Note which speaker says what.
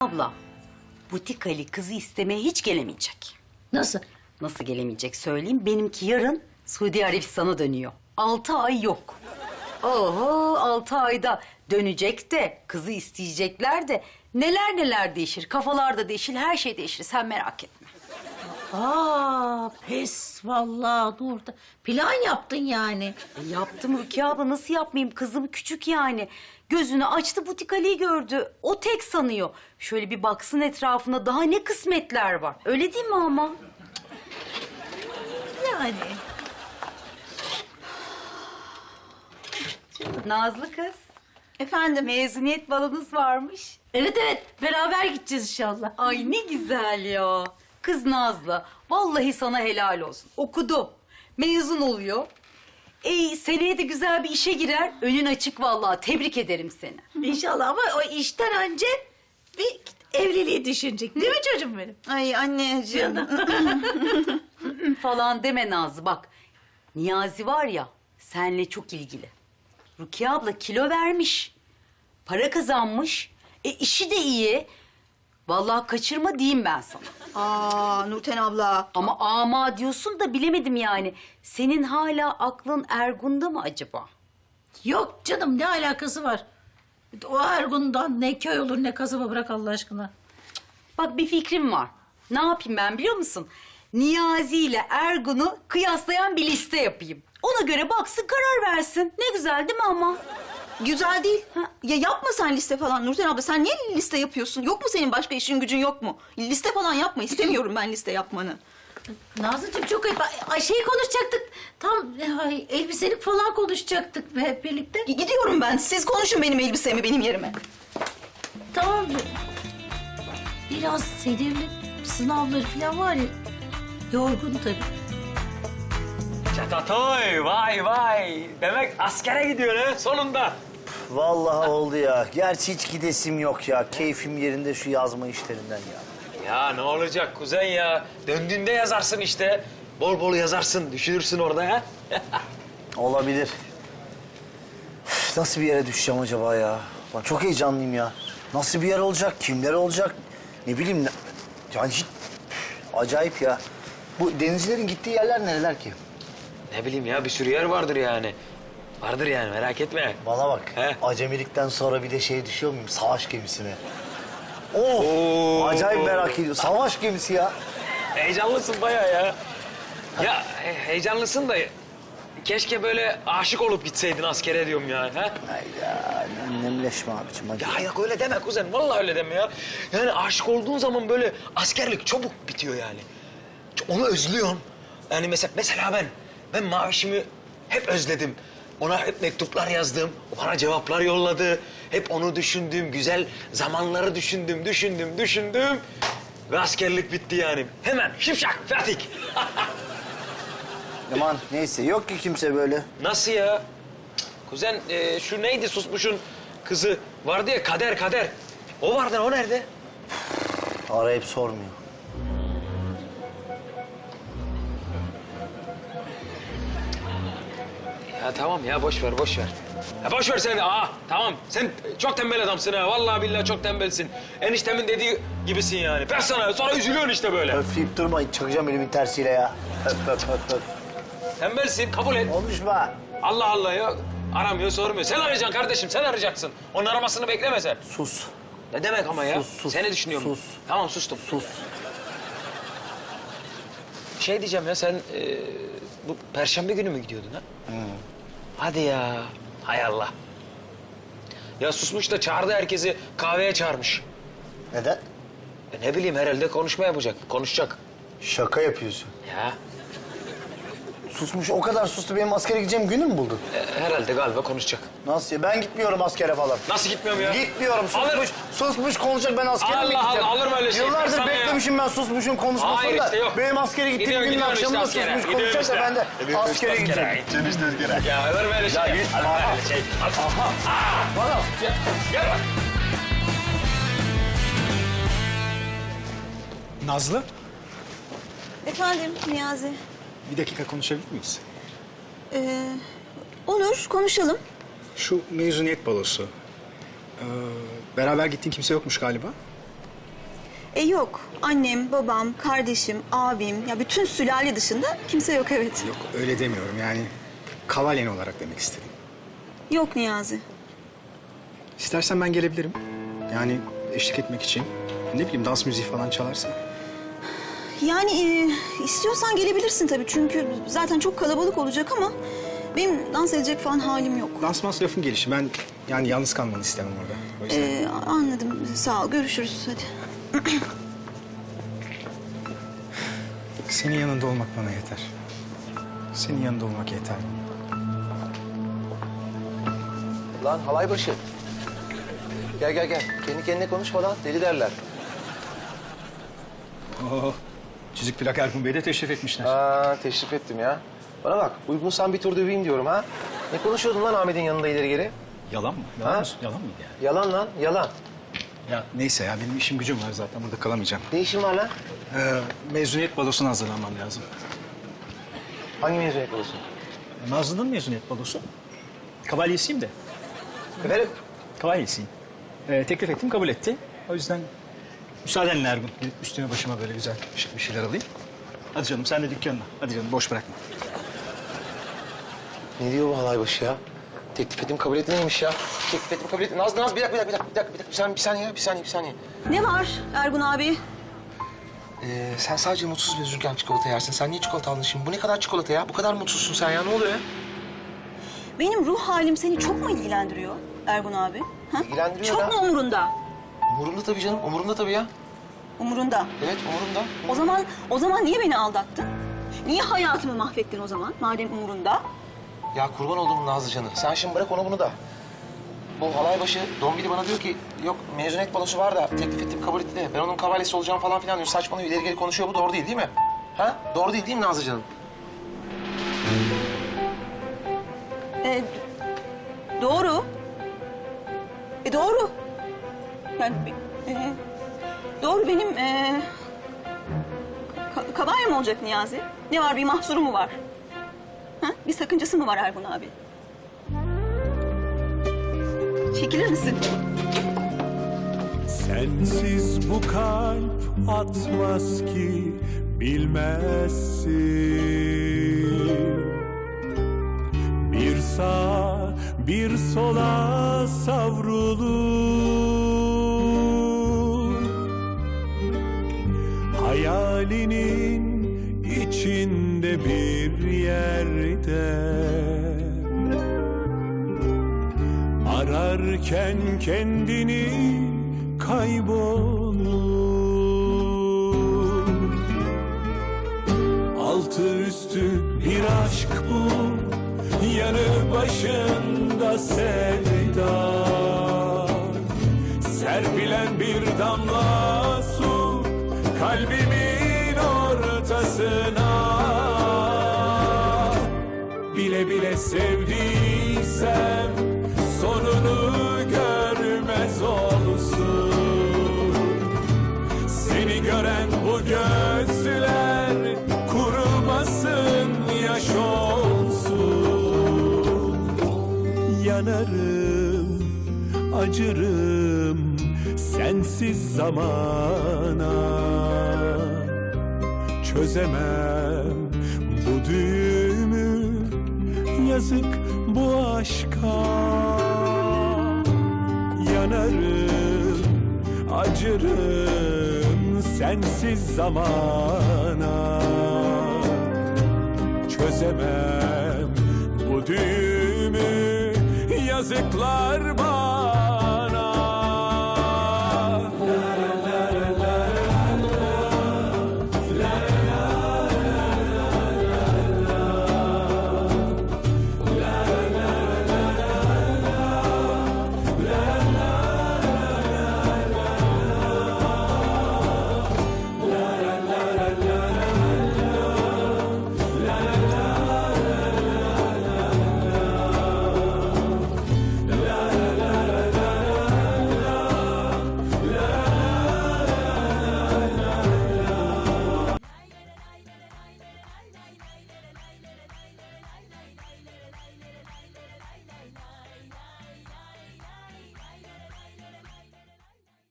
Speaker 1: abla, butik Ali kızı istemeye hiç gelemeyecek.
Speaker 2: Nasıl?
Speaker 1: Nasıl gelemeyecek söyleyeyim. Benimki yarın Suudi Arabistan'a dönüyor. 6 ay yok. Oho 6 ayda dönecek de kızı isteyecekler de neler neler değişir. Kafalar da değişir, her şey değişir. Sen merak etme.
Speaker 2: Pes vallahi Nurda. Plan yaptın yani.
Speaker 1: Yaptım Rukiye abla, nasıl yapmayayım? Kızım küçük yani. Gözünü açtı, butik Ali'yi gördü. O tek sanıyor. Şöyle bir baksın etrafına, daha ne kısmetler var. Öyle değil mi ama?
Speaker 2: Yani.
Speaker 1: Nazlı kız,
Speaker 3: Efendim?
Speaker 1: mezuniyet balonuz varmış.
Speaker 2: Evet beraber gideceğiz inşallah.
Speaker 1: Ay ne güzel ya. Kız Nazlı, vallahi sana helal olsun. Okudu, mezun oluyor. Seneye de güzel bir işe girer. Önün açık vallahi. Tebrik ederim seni.
Speaker 2: İnşallah ama o işten önce bir evliliği düşünecek. Değil mi çocuğum benim?
Speaker 3: Ay anneciğim.
Speaker 1: Falan deme Nazlı bak. Niyazi var ya, senle çok ilgili. Rukiye abla kilo vermiş. Para kazanmış. İşi de iyi. Vallahi kaçırma diyeyim ben sana.
Speaker 3: Aa Nurten abla.
Speaker 1: Ama ama diyorsun da bilemedim yani. Senin hala aklın Ergun'da mı acaba?
Speaker 2: Yok canım ne alakası var? O Ergun'dan ne köy olur ne kasaba, bırak Allah aşkına.
Speaker 1: Bak bir fikrim var. Ne yapayım ben biliyor musun? Niyazi ile Ergun'u kıyaslayan bir liste yapayım. Ona göre baksın, karar versin. Ne güzel değil mi ama?
Speaker 3: Güzel değil. Ya yapma sen liste falan Nurten abla. Sen niye liste yapıyorsun? Yok mu senin başka işin gücün yok mu? Liste falan yapma. İstemiyorum ben liste yapmanı.
Speaker 2: Nazlıcığım çok ayıp. Ay, şeyi konuşacaktık. Tam elbiselik falan konuşacaktık hep birlikte.
Speaker 3: Gidiyorum ben. Siz konuşun benim elbisemi benim yerime.
Speaker 2: Tamam. Biraz Sedef'in sınavları falan var ya. Yorgun tabii.
Speaker 4: Çatatoy, vay vay. Demek askere gidiyor ha sonunda.
Speaker 5: Vallahi oldu ya. Gerçi hiç gidesim yok ya. Keyfim yerinde şu yazma işlerinden ya.
Speaker 4: Ya ne olacak kuzen ya? Döndüğünde yazarsın işte. Bol bol yazarsın, düşünürsün orada ha.
Speaker 5: Olabilir. Üf, nasıl bir yere düşeceğim acaba ya? Ben çok heyecanlıyım ya. Nasıl bir yer olacak? Kimler olacak? Ne bileyim. Yani hiç... Acayip ya. Bu denizcilerin gittiği yerler nereler ki?
Speaker 4: Ne bileyim ya, bir sürü yer vardır yani. Vardır yani, merak etme.
Speaker 5: Bana bak.
Speaker 4: He?
Speaker 5: Acemilikten sonra bir de şeye düşüyor muyum? Savaş gemisine. Of!
Speaker 4: Oo.
Speaker 5: Acayip merak ediyorum. Savaş gemisi ya.
Speaker 4: Heyecanlısın bayağı ya. Ya heyecanlısın da keşke böyle aşık olup gitseydin askere diyorum ya. Ha?
Speaker 5: Hayda. Nemleşme abicim. Hadi.
Speaker 4: Ya yok öyle deme kuzen, vallahi öyle deme ya. Yani aşık olduğun zaman böyle askerlik çabuk bitiyor yani. Onu özlüyorsun. Yani mesela ben Mavişimi hep özledim. Ona hep mektuplar yazdım, o bana cevaplar yolladı. Hep onu düşündüm, güzel zamanları düşündüm. Ve askerlik bitti yani. Hemen şipşak, fertik.
Speaker 5: Aman neyse yok ki kimse böyle.
Speaker 4: Nasıl ya? Kuzen şu neydi susmuşun kızı vardı ya, Kader. O vardı, o nerede?
Speaker 5: Arayıp sormuyor.
Speaker 4: Ya tamam ya, boş ver. Ya boş ver sen. Tamam. Sen çok tembel adamsın ha. Vallahi billahi çok tembelsin. Eniştemin dediği gibisin yani. Ben sana sonra üzülüyorsun işte böyle.
Speaker 5: Öfleyip durma, çakacağım elimin tersiyle ya. Öp.
Speaker 4: Tembelsin, kabul et.
Speaker 5: Konuşma.
Speaker 4: Allah Allah ya. Aramıyor, sormuyor. Sen arayacaksın kardeşim, sen arayacaksın. Onun aramasını bekleme sen.
Speaker 5: Sus.
Speaker 4: Ne demek ama ya?
Speaker 5: Sus.
Speaker 4: Seni düşünüyorum.
Speaker 5: Sus.
Speaker 4: Tamam, sustum.
Speaker 5: Sus.
Speaker 4: Şey diyeceğim ya, sen bu Perşembe günü mü gidiyordun ha? Hadi ya. Hay Allah. Ya susmuş da çağırdı herkesi, kahveye çağırmış.
Speaker 5: Neden?
Speaker 4: Ne bileyim, herhalde konuşma yapacak, konuşacak.
Speaker 5: Şaka yapıyorsun.
Speaker 4: Ya
Speaker 5: Susmuş, o kadar sustu, benim askere gideceğim günü mü buldun?
Speaker 4: herhalde galiba konuşacak.
Speaker 5: Nasıl ya? Ben gitmiyorum askere falan.
Speaker 4: Nasıl gitmiyorum ya?
Speaker 5: Gitmiyorum,
Speaker 4: Alır.
Speaker 5: susmuş konuşacak, ben askere mi
Speaker 4: Allah
Speaker 5: gideceğim?
Speaker 4: Allah, alır mı öyle şey?
Speaker 5: Yıllardır
Speaker 4: Sana ya.
Speaker 5: beklemişim ben susmuşun konuşmasını
Speaker 4: Hayır
Speaker 5: da.
Speaker 4: işte yok.
Speaker 5: Benim askere gittiğim günün
Speaker 4: Gidiyorsun
Speaker 5: akşamında
Speaker 4: işte askere.
Speaker 5: susmuş
Speaker 4: Gidiyorsun
Speaker 5: konuşacak da
Speaker 4: işte.
Speaker 5: ben de askere gideceğim.
Speaker 4: Ya olur mu öyle şey?
Speaker 5: Ya
Speaker 4: Ya,
Speaker 5: git.
Speaker 4: olur mu
Speaker 5: Aha.
Speaker 4: öyle şey?
Speaker 5: Aha. Bana.
Speaker 4: Gel bak.
Speaker 6: Nazlı,
Speaker 3: Efendim Niyazi.
Speaker 6: bir dakika konuşabilir miyiz?
Speaker 3: Olur konuşalım.
Speaker 6: Şu mezuniyet balosu. Beraber gittiğin kimse yokmuş galiba.
Speaker 3: Yok. Annem, babam, kardeşim, abim, ya bütün sülale dışında kimse yok, evet.
Speaker 6: Yok öyle demiyorum yani. Kavalyen olarak demek istedim.
Speaker 3: Yok Niyazi.
Speaker 6: İstersen ben gelebilirim. Yani eşlik etmek için. Ne bileyim dans müziği falan çalarsa.
Speaker 3: Yani istiyorsan gelebilirsin tabii çünkü zaten çok kalabalık olacak ama benim dans edecek falan halim yok.
Speaker 6: Dans lafın gelişi. Ben yani yalnız kalmanı istemem orada. O yüzden.
Speaker 3: Anladım. Sağ ol. Görüşürüz. Hadi.
Speaker 6: Senin yanında olmak bana yeter. Senin yanında olmak yeter.
Speaker 5: Lan halay başı. Gel gel gel. Kendi kendine konuşma lan. Deli derler.
Speaker 6: Oo, çizik plak Ergun Bey de teşrif etmişler.
Speaker 5: Teşrif ettim ya. Bana bak, uygunsan bir tur döveyim diyorum ha. Ne konuşuyordun lan Ahmet'in yanında ileri geri?
Speaker 6: Yalan mı?
Speaker 5: Ha?
Speaker 6: Yalan mıydı yani?
Speaker 5: Yalan lan, yalan.
Speaker 6: Ya neyse ya benim işim gücüm var zaten burada kalamayacağım.
Speaker 5: Ne işin var lan?
Speaker 6: Mezuniyet balosuna hazırlanmam lazım.
Speaker 5: Hangi mezuniyet olsun?
Speaker 6: Nazlı'nın mezuniyet balosu. Kavalyesiyim de.
Speaker 5: Efendim?
Speaker 6: Kavalyesiyim. Teklif ettim kabul etti. O yüzden müsaadenle Ergun. Gidip üstüme başıma böyle güzel şık bir şeyler alayım. Hadi canım sen de dükkanına. Hadi canım boş bırakma.
Speaker 5: Ne diyor bu halay başı ya? Teklif ettim kabul etti neymiş ya? Teklif ettim kabul etti. Nazlı bir dakika. Bir saniye.
Speaker 3: Ne var Ergun abi?
Speaker 5: Sen sadece mutsuz ve üzülürken çikolata yersin. Sen niye çikolata aldın şimdi? Bu ne kadar çikolata ya? Bu kadar mutsuzsun sen ya. Ne oluyor ya?
Speaker 3: Benim ruh halim seni çok mu ilgilendiriyor Ergun abi? Ha?
Speaker 5: İlgilendiriyor
Speaker 3: Çok
Speaker 5: da.
Speaker 3: mu umurunda?
Speaker 5: Umurumda tabii canım. Umurumda tabii ya.
Speaker 3: Umurunda.
Speaker 5: Evet umurumda.
Speaker 3: O zaman niye beni aldattın? Niye hayatımı mahvettin o zaman madem umurunda?
Speaker 5: Ya kurban olduğum Nazlıcan'ı. Sen şimdi bırak onu bunu da. Bu halay başı Dombili bana diyor ki yok mezuniyet balosu var da teklif ettim kabul etti de ben onun kavalyesi olacağım falan filan diyor. Saçmalıyor ileri geri konuşuyor. Bu doğru değil mi? Ha? Doğru değil mi Nazlıcan'ım?
Speaker 3: Doğru. Doğru. Yani doğru benim kavalyem olacak Niyazi. Ne var bir mahsuru mu var? Ha? Bir sakıncası mı var Ergun abi? Çekilir misin?
Speaker 7: Sensiz bu kalp atmaz ki bilmezsin. Bir sağa bir sola savrulur. Hayalinin içinde bir yerde ararken kendini kaybolur. Altı üstü bir aşk bu, yanı başında sevda. Serpilen bir damla su kalbimin ortasına. Bile bile sevdiysem sonunu görmez olsun. Seni gören bu gözler kurumasın, yaş olsun. Yanarım, acırım sensiz zamana. Çözemem bu düğümü, yazık bu aşka. Yanarım, acırım sensiz zamana. Çözemem bu düğümü, yazıklar bana.